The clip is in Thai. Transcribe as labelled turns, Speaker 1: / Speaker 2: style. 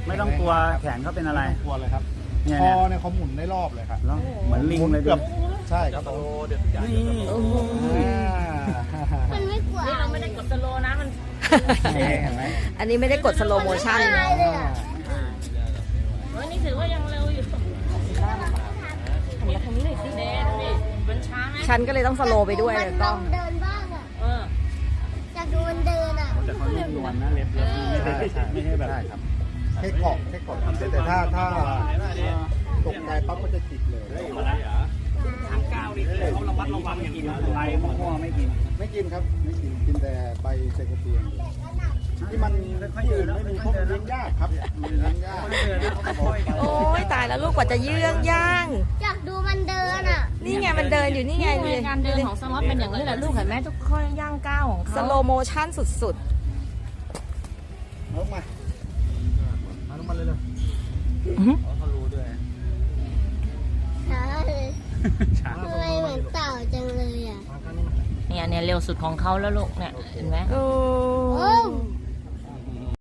Speaker 1: ไม่ต้องกลัวแขนเขาเป็นอะไร
Speaker 2: ไม่ต้องกลัวเลยครับ
Speaker 1: เนี่ย
Speaker 2: คอ
Speaker 1: เนี่ย
Speaker 2: เนี่ยเขาหมุนได้รอบเลยครับ
Speaker 1: แล้วเหมือนลิงเลย
Speaker 2: เกื
Speaker 1: ดู
Speaker 2: อบใช่ครับผม
Speaker 1: นี่
Speaker 3: มันไม่กลัว
Speaker 4: นี่เราไม่ได้กดสโลว์นะมัน
Speaker 1: เห็นไหม
Speaker 5: อันนี้ไม่ได้กดสโลโมชั่น
Speaker 3: ตายเลยอ่ะ
Speaker 4: เฮ้ยนี่ถือว่ายังเร็วอยู่หันมาทางนี้หน่อยสิเดนดิมันช้าไหม
Speaker 5: ฉันก็เลยต้องสโลไปด้วย
Speaker 3: มัน
Speaker 5: เลย
Speaker 3: ล
Speaker 5: ก็
Speaker 3: องเดินบ้างอ่ะ
Speaker 4: เออ
Speaker 3: อยากดูมันเดินอ่ะ
Speaker 1: แต่เขานุ่มนวลนะเล็บไม่ใช่แบบ
Speaker 2: ใช่ครับแค่เกาะครับแต่ถ้าตกใจปั๊บก็จะจิกเลย
Speaker 1: ทางก้าวนี่คือเขาระมัดระวังกินอะไรมั่วๆไม่กิน
Speaker 2: ไม่กินครับไม่กินกินแต่ใบเซกเตียงที่มันที่อื่นไม่มีพวกเลี้ยงยากครับเลี้ยงยาก
Speaker 5: โอ้ยตายแล้วลูกกว่าจะเยือกย่าง
Speaker 3: อยากดูมันเดินอ่ะ
Speaker 5: นี่ไงมันเดินอยู่นี่ไง
Speaker 4: นี่ไงการเดินของสล็อตเป็นอย่างนี้แหละลูกเห็นไหมทุกข้อย่างก้าวของ
Speaker 5: ส
Speaker 4: เขา
Speaker 5: โลโมชั่นสุด
Speaker 2: ลงมาลงมาเลยเลย
Speaker 1: เขารู้ด้วย
Speaker 3: ช้าเลย
Speaker 1: ช้า
Speaker 3: ทำไมเหมือนเต่าจังเลยอ่ะ
Speaker 4: เนี่ยเร็วสุดของเขาแล้วลูกเนี่ยเห็นไหม
Speaker 5: ๆโอ้
Speaker 3: โอ้